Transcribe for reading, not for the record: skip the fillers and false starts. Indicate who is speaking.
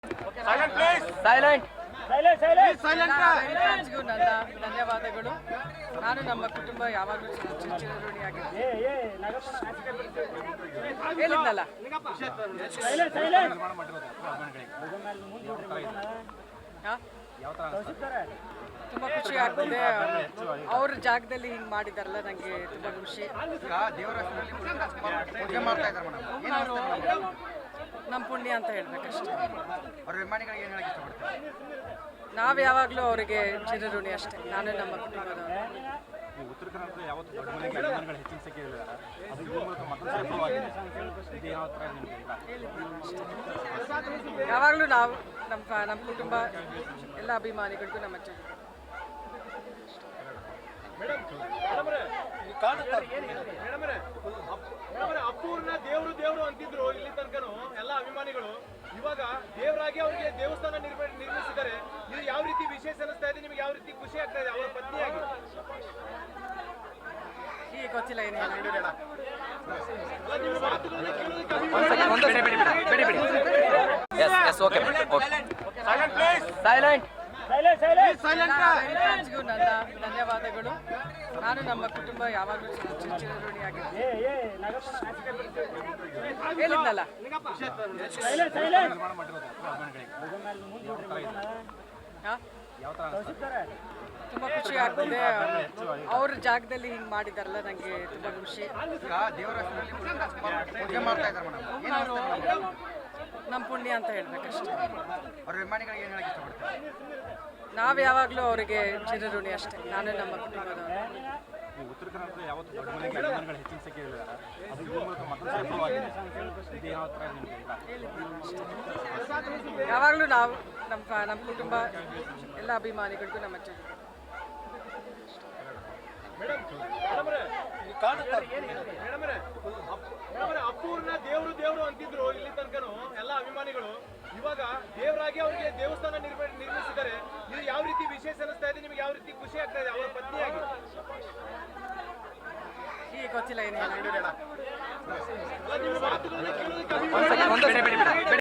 Speaker 1: Silent, please.
Speaker 2: Silent
Speaker 3: ಫ್ಯಾನ್ಸ್ಗೂ ನನ್ನ ಧನ್ಯವಾದಗಳು. ನಾನು ನಮ್ಮ ಕುಟುಂಬ ಯಾವಾಗಲೂ ಚಿರಋಣಿಯಾಗಿರ್ತೀನಿ. ಹೇಳಿದ್ನಲ್ಲ, ತುಂಬ ಖುಷಿ ಆಗ್ತಿದೆ. ಅವ್ರ ಜಾಗದಲ್ಲಿ ಹಿಂಗೆ ಮಾಡಿದಾರಲ್ಲ, ನನಗೆ ತುಂಬ ಖುಷಿ. ನಮ್ಮ ಪುಣ್ಯ ಅಂತ ಹೇಳ್ಬೇಕಷ್ಟೇ. ನಾವು ಯಾವಾಗಲೂ ಅವರಿಗೆ ಚಿರಋಣಿ ಅಷ್ಟೇ, ನಾನು ನಮ್ಮ ಕುಟುಂಬದವರು.
Speaker 1: ಉತ್ತರ ಕರ್ನಾಟಕದ ಯಾವತ್ತು ದೊಡ್ಡ ಮನೆಗೆ ಅಭಿಮಾನಿಗಳು ಹೆಚ್ಚಿನ ಸಂಖ್ಯೆ ಇದ್ದಾರೆ. ಅದು ಈ ಮೂಲಕ ಮತ್ತೊಂದು ಸಫಲವಾಗಿದೆ. ಇದು ಯಾವ ಥರ ನಿಮಗೆ
Speaker 3: ಯಾವಾಗಲೂ ನಾವು ನಮ್ಮ ಕುಟುಂಬ ಎಲ್ಲ ಅಭಿಮಾನಿಗಳಿಗೂ ನಮ್ಮ
Speaker 4: ಅಪ್ಪೂರ್ನ ದೇವ್ರು ಅಂತಿದ್ರು ಇಲ್ಲಿ ತನಕನು ಎಲ್ಲ ಅಭಿಮಾನಿಗಳು. ಇವಾಗ ದೇವರಾಗಿ ಅವ್ರಿಗೆ ದೇವಸ್ಥಾನ ನಿರ್ಮಿಸಿದ್ದಾರೆ. ಇದು ಯಾವ ರೀತಿ ವಿಶೇಷ ಅನಿಸ್ತಾ ಇದೆ ನಿಮ್ಗೆ? ಯಾವ ರೀತಿ ಖುಷಿ ಆಗ್ತಾ ಇದೆ ಅವರ ಪತ್ನಿಯಾಗಿ?
Speaker 3: ಈಗ ಗೊತ್ತಿಲ್ಲ ಏನು
Speaker 1: Silent, please.
Speaker 2: ಸೈಲೆಂಟ್
Speaker 3: ಫ್ಯಾನ್ಸ್ಗೂ ನನ್ನ ಧನ್ಯವಾದಗಳು. ನಾನು ನಮ್ಮ ಕುಟುಂಬ ಯಾವಾಗಲೂ ಚಿರಋಣಿಯಾಗಿರ್ತೀನಿ. ಹೇಳಿದ್ನಲ್ಲ, ತುಂಬ ಖುಷಿ ಆಗ್ತಿದೆ. ಅವ್ರ ಜಾಗದಲ್ಲಿ ಹಿಂಗೆ ಮಾಡಿದಾರಲ್ಲ, ನನಗೆ ತುಂಬ ಖುಷಿ. ನಮ್ಮ ಪುಣ್ಯ ಅಂತ ಹೇಳ್ಬೇಕಷ್ಟೇ. ನಾವು ಯಾವಾಗಲೂ ಅವರಿಗೆ ಚಿರಋಣಿ ಅಷ್ಟೇ, ನಾನು ನಮ್ಮ ಕುಟುಂಬದವರು.
Speaker 1: ಉತ್ತರ ಕರ್ನಾಟಕದ ಯಾವತ್ತು ದೊಡ್ಡ ಮನೆಗೆ ಅಭಿಮಾನಿಗಳು ಹೆಚ್ಚಿನ ಸಂಖ್ಯೆ ಇದ್ದಾರೆ. ಅದು ಈ ಮೂಲಕ ಮತ್ತೊಂದು ಸಫಲವಾಗಿದೆ. ಇದು ಯಾವ ಥರ ನಿಮಗೆ
Speaker 3: ಯಾವಾಗಲೂ ನಾವು ನಮ್ಮ ಕುಟುಂಬ ಎಲ್ಲ ಅಭಿಮಾನಿಗಳಿಗೂ ನಮ್ಮ
Speaker 4: ಅಪ್ಪೂರ್ನ ದೇವ್ರು ಅಂತಿದ್ರು ಇಲ್ಲಿ ತನಕನು ಎಲ್ಲ ಅಭಿಮಾನಿಗಳು. ಇವಾಗ ದೇವರಾಗಿ ಅವ್ರಿಗೆ ದೇವಸ್ಥಾನ ನಿರ್ಮಿಸಿದ್ದಾರೆ. ಇದು ಯಾವ ರೀತಿ ವಿಶೇಷ ಅನಿಸ್ತಾ ಇದೆ ನಿಮ್ಗೆ? ಯಾವ ರೀತಿ ಖುಷಿ ಆಗ್ತಾ ಇದೆ ಅವರ ಪತ್ನಿಯಾಗಿ?
Speaker 3: ಈಗ ಗೊತ್ತಿಲ್ಲ ಏನು